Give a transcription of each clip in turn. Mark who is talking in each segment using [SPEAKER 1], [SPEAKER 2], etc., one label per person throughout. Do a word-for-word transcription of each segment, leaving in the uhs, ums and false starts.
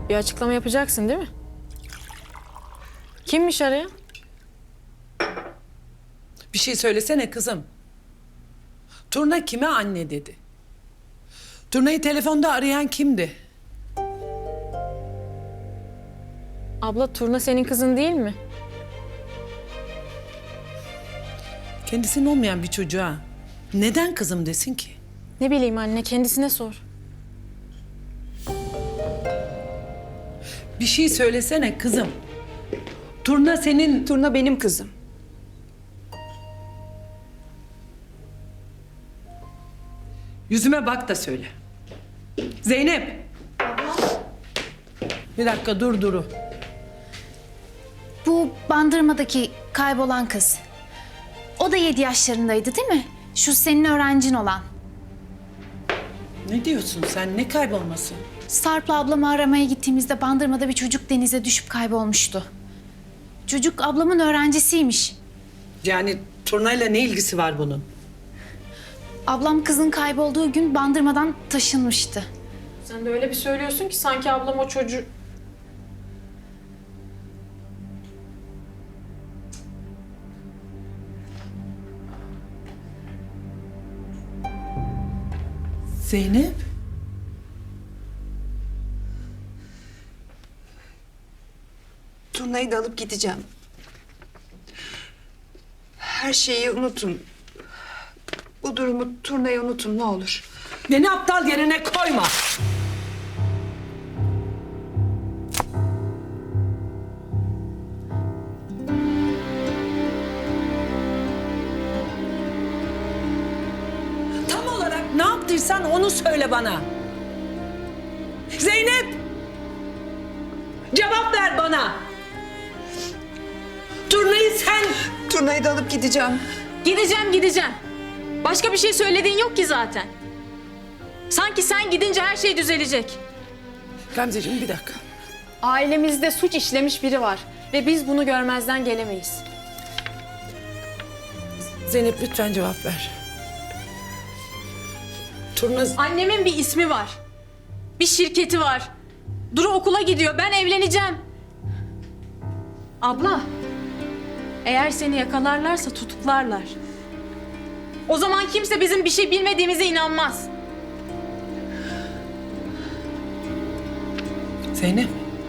[SPEAKER 1] Bir açıklama yapacaksın değil mi? Kimmiş arayan?
[SPEAKER 2] Bir şey söylesene kızım. Turna kime anne dedi? Turna'yı telefonda arayan kimdi?
[SPEAKER 1] Abla Turna senin kızın değil mi?
[SPEAKER 2] Kendisinin olmayan bir çocuğa neden kızım desin ki?
[SPEAKER 1] Ne bileyim anne, kendisine sor.
[SPEAKER 2] Bir şey söylesene kızım. Turna senin...
[SPEAKER 3] Turna benim kızım.
[SPEAKER 2] Yüzüme bak da söyle. Zeynep. Bir dakika dur Duru.
[SPEAKER 4] Bu Bandırma'daki kaybolan kız. O da yedi yaşlarındaydı değil mi? Şu senin öğrencin olan.
[SPEAKER 2] Ne diyorsun sen? Ne kaybolması?
[SPEAKER 4] Sarp'la ablamı aramaya gittiğimizde Bandırma'da bir çocuk denize düşüp kaybolmuştu. Çocuk ablamın öğrencisiymiş.
[SPEAKER 2] Yani Turna'yla ne ilgisi var bunun?
[SPEAKER 4] Ablam kızın kaybolduğu gün Bandırma'dan taşınmıştı.
[SPEAKER 1] Sen de öyle bir söylüyorsun ki sanki ablam o çocuğu...
[SPEAKER 2] Zeynep.
[SPEAKER 3] Turna'yı da alıp gideceğim. Her şeyi unutun. Bu durumu Turna'yı unutun ne olur.
[SPEAKER 2] Beni aptal yerine koyma. Tam olarak ne yaptıysan onu söyle bana. Zeynep! Cevap ver bana. Turnayı sen...
[SPEAKER 3] Turna'yı da alıp gideceğim.
[SPEAKER 1] Gideceğim, gideceğim. Başka bir şey söylediğin yok ki zaten. Sanki sen gidince her şey düzelecek.
[SPEAKER 2] Gamzeciğim bir dakika.
[SPEAKER 1] Ailemizde suç işlemiş biri var ve biz bunu görmezden gelemeyiz.
[SPEAKER 2] Zeynep lütfen cevap ver. Turna...
[SPEAKER 1] Annemin bir ismi var. Bir şirketi var. Duru okula gidiyor. Ben evleneceğim. Abla, eğer seni yakalarlarsa tutuklarlar. O zaman kimse bizim bir şey bilmediğimize inanmaz.
[SPEAKER 2] Zeynep.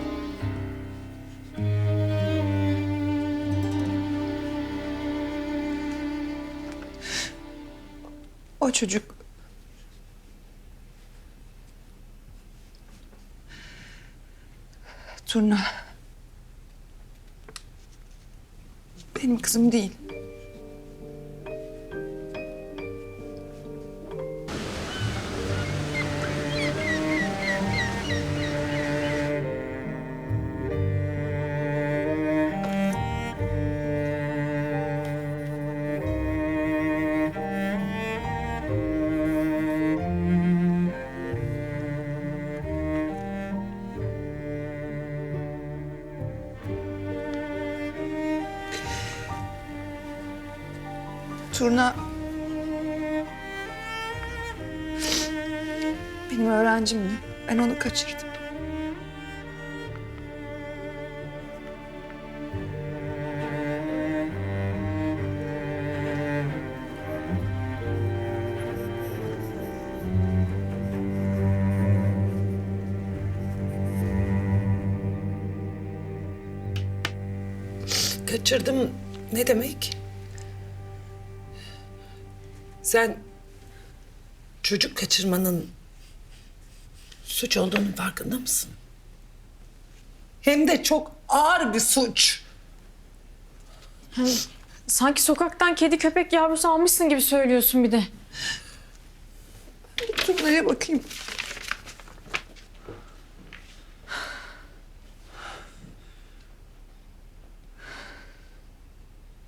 [SPEAKER 3] O çocuk... Turna... Benim kızım değil. Turna... Benim öğrencimdi. Ben onu kaçırdım.
[SPEAKER 2] Kaçırdım ne demek? Sen çocuk kaçırmanın suç olduğunun farkında mısın? Hem de çok ağır bir suç.
[SPEAKER 1] Sanki sokaktan kedi köpek yavrusu almışsın gibi söylüyorsun bir de.
[SPEAKER 3] Turna'ya bakayım.